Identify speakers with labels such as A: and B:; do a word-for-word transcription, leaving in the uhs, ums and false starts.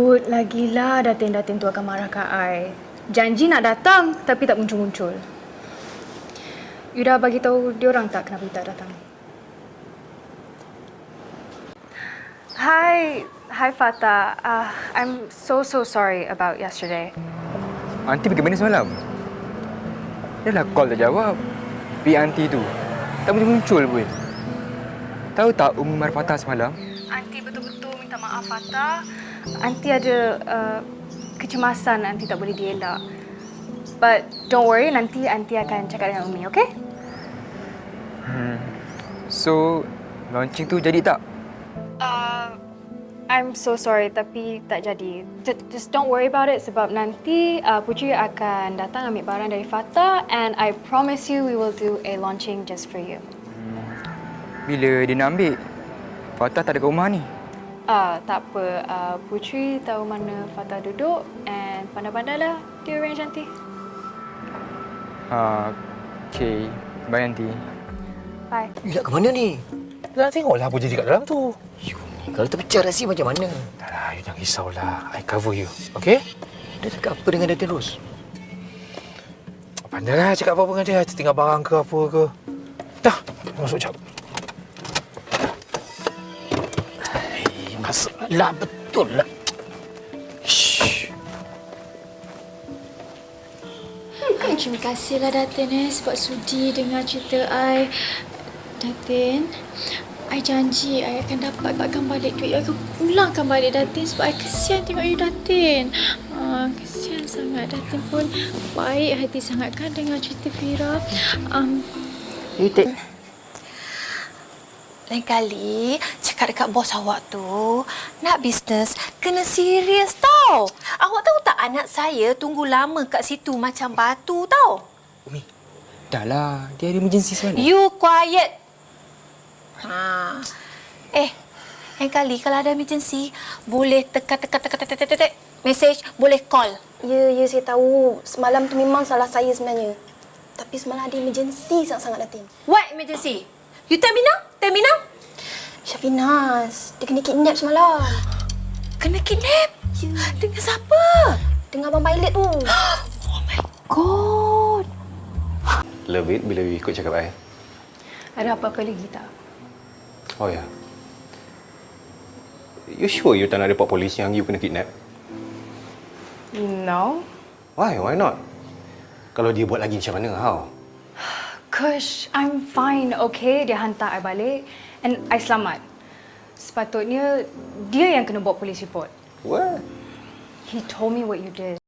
A: Sebut lagi lah datin-datin tu akan marah kat I. Janji nak datang tapi tak muncul-muncul. You dah bagi tahu dia orang tak kenapa you tak datang? Hi, hi Fata. Uh, I'm so so sorry about yesterday.
B: Aunty pergi mana semalam? Dia dah call tak jawab. Pergi aunty tu. Tak muncul-muncul pun. Tahu tak Umar Fatah semalam?
A: Aunty betul-betul minta maaf Fata. Aunty ada uh, kecemasan Aunty tak boleh dielak. But don't worry, nanti Aunty akan cakap dengan Umi, okay?
B: Hmm. So, launching tu jadi tak?
A: Uh, I'm so sorry tapi tak jadi. Just, just don't worry about it sebab nanti uh, Putri akan datang ambil barang dari Fata and I promise you we will do a launching just for you.
B: Bila dia nak ambil? Fatah tak ada kat rumah ni.
A: Uh, tak apa, uh, Putri tahu mana Fata duduk and pandai-pandailah dia arrange nanti.
B: Ha, okay. Bye aunty.
A: Bye.
C: You nak ke mana ni?
D: Nak tengoklah apa jadi kat dalam tu.
C: You ni kalau terpecah rahsia macam mana?
D: Dah lah, you jangan risaulah. I cover you, okey?
C: Dia cakap apa dengan Datin Ros?
D: Pandailah cakap apa-apa dengan dia. Tertinggal barang ke apa ke. Dah, masuk jap.
C: Hei, masalah betul lah. Shh.
E: Terima kasihlah Datin eh sebab sudi dengar cerita I. Datin, I janji I akan dapatkan balik duit. I akan pulangkan balik Datin sebab I kesian tengok you Datin. Ah, kesian sangat. Datin pun baik hati sangat kan dengar cerita Fira. Um,
C: You take.
F: Lain kali, cakap dekat bos awak tu, nak bisnes, kena serius tau. Awak tahu tak anak saya tunggu lama kat situ macam batu tau.
B: Umi, dah lah. Dia ada emergency semalam.
F: You quiet. Ha. Eh, lain kali kalau ada emergency, boleh tekan-tekan-tekan-tekan-tekan message, boleh call.
G: Ya, ya saya tahu. Semalam tu memang salah saya sebenarnya. Tapi semalam ada emergency sangat-sangat Datin.
F: What emergency? You tell me now? Tell me now?
G: Syafinas, dia kena kidnap semalam.
F: Kena kidnap?
G: Ya.
F: Dengan siapa?
G: Dengan abang pilot tu.
F: Oh my God.
H: Love it bila you ikut cakap I.
A: Ada apa-apa lagi tak?
H: Oh ya. Yeah. You sure you tak nak report polis yang you kena kidnap?
A: No.
H: Why? Why not? Kalau dia buat lagi macam mana? How?
A: Kush, I'm fine, okay? Dia hantar I balik and I selamat. Sepatutnya dia yang kena buat police report.
H: What?
A: He told me what you did.